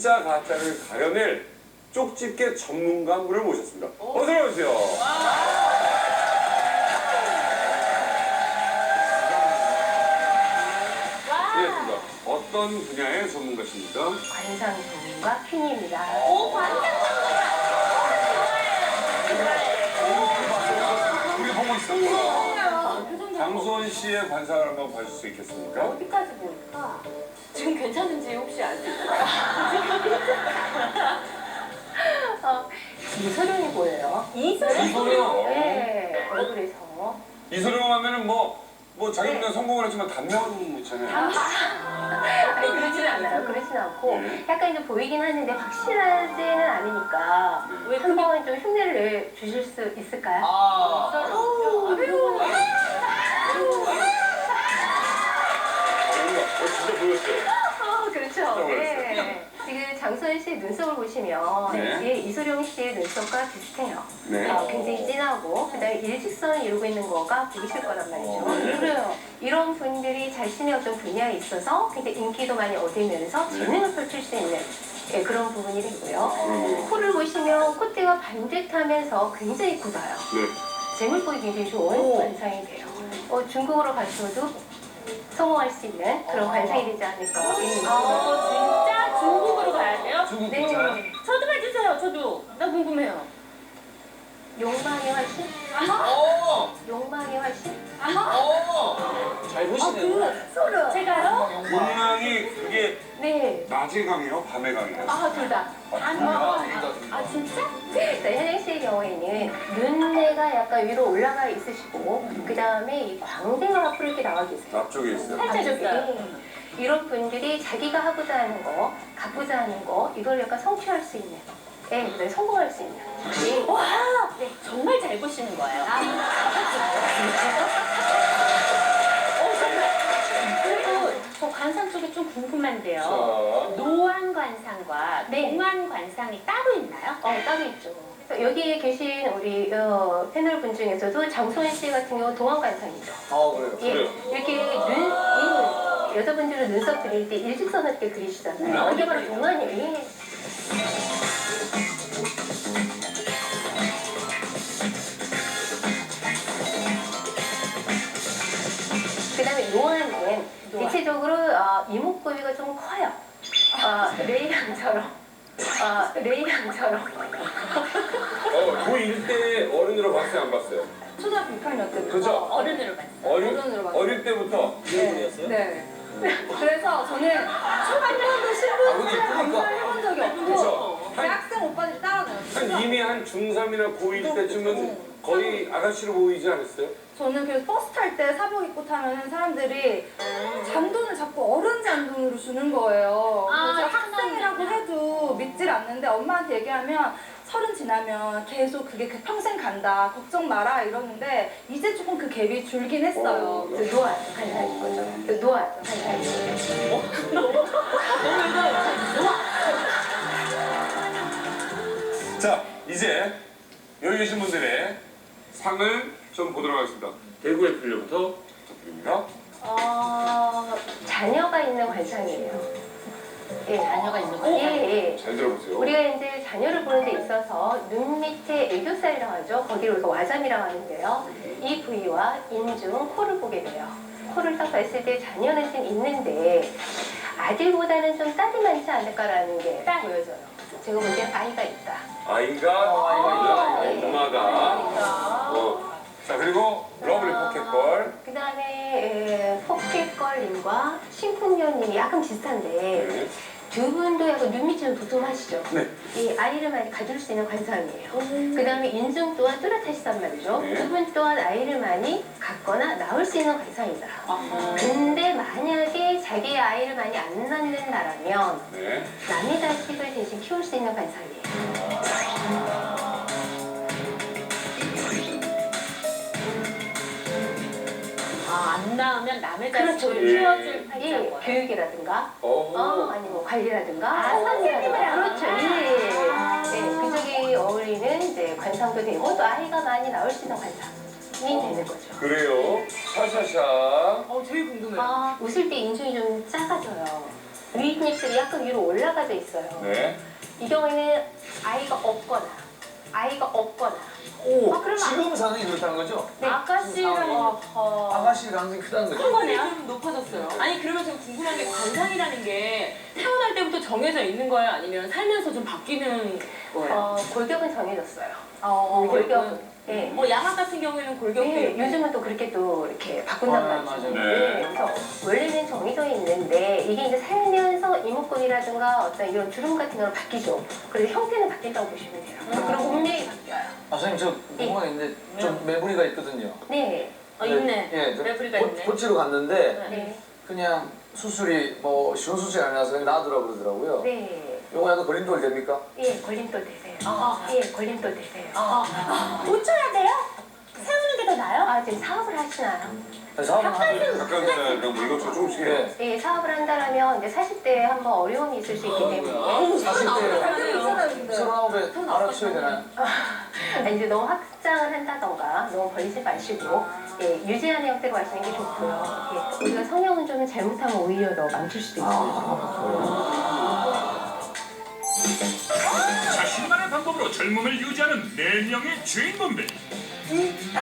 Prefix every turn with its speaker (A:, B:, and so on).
A: 진짜 가짜를 가려낼 쪽집게 전문가 한 분을 모셨습니다. 어서 오세요. 네, 어떤 분야의 전문가십니까?
B: 관상 전문가 퀸입니다.
C: 오, 관상
A: 우리 보고 있었구나. 장수원 씨의 관상을 한번 봐줄 수 있겠습니까?
B: 어디까지 보일까?
C: 지금 괜찮은지 혹시 아세요?
B: 이소룡이 보여요.
A: 이소룡?
B: 네, 얼굴에서.
A: 이소룡 하면은 뭐 자기는 성공을 했지만 단명은 있잖아요.
B: 아니, 그러지는 않아요. 그러지는 않고 약간 이제 보이긴 하는데 확실하지는 않으니까 한번 좀 흉내를 내주실 수 있을까요?
A: 진짜 보였어요.
B: 그렇죠. 네. 지금 장수원 씨의 눈썹을 보시면
A: 네.
B: 이소룡 씨의 눈썹과 비슷해요.
A: 네.
B: 굉장히 진하고 그다음에 일직선을 이루고 있는 거가 보이실 거란 말이죠.
A: 네.
B: 그래요. 이런 분들이 자신의 어떤 분야에 있어서 굉장히 인기도 많이 얻으면서 재능을 펼칠 수 있는 그런 부분이 되고요. 코를 보시면 콧대가 반듯하면서 굉장히 굳어요.
A: 네.
B: 재물복이 굉장히 좋은 관상이 돼요. 중국으로 가셔도 성공할 수 있는 그런 관상이 되지 않을까.
C: 진짜 중국으로 가야 돼요?
A: 중국
B: 네.
A: 괜찮아요?
C: 저도 해주세요, 저도. 나 궁금해요.
B: 욕망의 화신? 욕망의 화신?
D: 잘 보시네요.
B: 소름.
C: 제가요?
A: 욕망이 그게
B: 네.
A: 낮에 강해요? 밤에 강해요?
B: 둘 다.
C: 진짜?
B: 자, 현영 씨의 경우에는 눈매가 약간 위로 올라가 있으시고 그 다음에 이 광대가 앞으로 이렇게 나와 계세요.
A: 앞쪽에 있어요.
C: 살짝 줬어요.
B: 이런 분들이 자기가 하고자 하는 거, 갖고자 하는 거 이걸 약간 성취할 수 있는, 네, 성공할 수 있는. 네.
C: 와, 정말 잘 보시는 거예요. 그리고 저 관상 쪽에 좀 궁금한데요. 노안 관상과 동안 관상이 따로 있나요?
B: 따로 있죠. 그래서 여기에 계신 우리 패널 분 중에서도 장소연 씨 같은 경우 동안관상이죠.
D: 그래요.
A: 그래요?
B: 이렇게 여자분들은 눈썹 그릴 때 일직선을 이렇게 그리시잖아요. 이게 바로 동안이에요. 그 다음에 노안은 대체적으로 이목구비가 좀 커요. 레이양처럼. 레이양처럼.
A: 고1 때 어른으로 봤어요? 안 봤어요?
E: 초등학교 6학년 때부터.
A: 그죠?
C: 어른으로 봤어요.
E: 어른으로 봤어요.
A: 어릴 때부터?
D: 이분이었어요?
E: 네. 그래서 저는 한 번도 신분증 검사를 해본 적이 없고
A: 그쵸?
E: 대학생 오빠들이 따라다녔어요.
A: 이미 한 중3이나 고1 때쯤은 거의 아가씨로 보이지 않았어요?
E: 저는 그래서 버스 탈 때 사복 입고 타면은 사람들이 잔돈을 자꾸 어른 잔돈으로 주는 거예요. 그래서 학생이라고 해도 믿질 않는데 엄마한테 얘기하면 30 지나면 계속 그게 평생 간다. 걱정 마라 이러는데 이제 조금 그 갭이 줄긴 했어요.
B: 노안 관상인 거죠. 노안 관상인 거죠.
A: 자, 이제 여기 계신 분들의 상을 좀 보도록 하겠습니다. 대구의 필요부터 부탁드립니다.
B: 자녀가 있는 관상이에요. 예,
C: 자녀가 있는 거예요?
B: 예.
A: 잘 들어보세요.
B: 우리가 이제 자녀를 보는 데 있어서 눈 밑에 애교살이라고 하죠. 거기를 우리가 와잠이라고 하는데요. 이 부위와 인중, 코를 보게 돼요. 코를 딱 봤을 때 자녀는 좀 있는데 아들보다는 좀 딸이 많지 않을까라는 게 보여져요. 제가 볼 땐 아이가 있다.
A: 아이가 있다. 엄마가. 자, 그리고 러블리 포켓볼.
B: 그 다음에 포켓걸님과 심쿵녀님이 약간 비슷한데
A: 네.
B: 두 분도 약간 눈 밑이 좀 도톰하시죠?
A: 네.
B: 이 아이를 많이 가질 수 있는 관상이에요. 그 다음에 인중 또한 뚜렷하시단 말이죠.
A: 네.
B: 두 분 또한 아이를 많이 갖거나 낳을 수 있는 관상이다. 근데 만약에 자기 아이를 많이 안 낳는다라면
A: 네.
B: 남의 자식을 대신 키울 수 있는 관상이에요.
C: 안 낳으면 남의
B: 그렇죠.
C: 자식을 키워줄
B: 예,
C: 팔자고요.
B: 교육이라든가
C: 아니면
B: 관리라든가
C: 선생님이랑.
B: 그렇죠. 그쪽이 어울리는 이제 관상도 되고 또 아이가 많이 나올 수 있는 관상이 되는 거죠.
A: 그래요. 샤샤샤.
C: 되게 궁금해요.
B: 웃을 때 인중이 좀 작아져요. 윗입술이 약간 위로 올라가져 있어요.
A: 네.
B: 이 경우에는 아이가 없거나
D: 오,
C: 그러면
D: 지금 상황이 그렇다는 거죠?
B: 네.
C: 아가씨랑
D: 아가씨 가능성이 크다는 거죠?
C: 큰 거네요.
F: 좀 높아졌어요. 아니 그러면 좀 궁금한 게 관상이라는 게 태어날 때부터 정해져 있는 거예요? 아니면 살면서 좀 바뀌는 거예요?
B: 골격은 정해졌어요.
F: 골격은?
B: 골격은. 네.
F: 뭐 양악 같은 경우에는 골격도
B: 네,
F: 있고
B: 요즘은 또 그렇게 또 이렇게 바꾼단
D: 아,
B: 말이죠.
D: 맞아요.
A: 네.
B: 그래서 원래는 정해져 있는데 이게 이제 살면서 이목구비라든가 어떤 이런 주름 같은 걸 바뀌죠. 그래서 형태는 바뀐다고 보시면 돼요. 그리고 분명히 바뀌어요.
D: 아, 선생님, 저 궁금한 게 있는데, 좀 매부리가 있거든요.
B: 네.
C: 있네.
D: 예, 저
C: 매부리가 있네.
D: 고치러 갔는데,
B: 네.
D: 그냥 수술이 뭐 쉬운 수술이 아니라서 그냥 놔두라고 그러더라고요.
B: 네.
D: 요거 약간 걸림돌 됩니까?
B: 예, 걸림돌 되세요. 예, 걸림돌 되세요.
C: 고쳐야 돼요? 세우는 게 더 나아요?
B: 지금 사업을 하시나요?
D: 사업은 하죠.
A: 닭가슴살이랑 뭐 이것저것 조금씩 해요.
D: 예.
B: 예, 사업을 한다면 이제 사실 때 한번 어려움이 있을 수 있기 때문에
D: 사실 때
E: 잘되고 있잖아요, 근데.
D: 39에 알아쳐야 되나요?
B: 이제 너무 확장을 한다던가 너무 벌리지 마시고 예, 유지하는 형태로 하시는 게 좋고요. 예, 우리가 성형은 좀 잘못하면 오히려 더 망칠 수도 있어요.
G: 자신만의 방법으로 젊음을 유지하는 4명의 주인공들.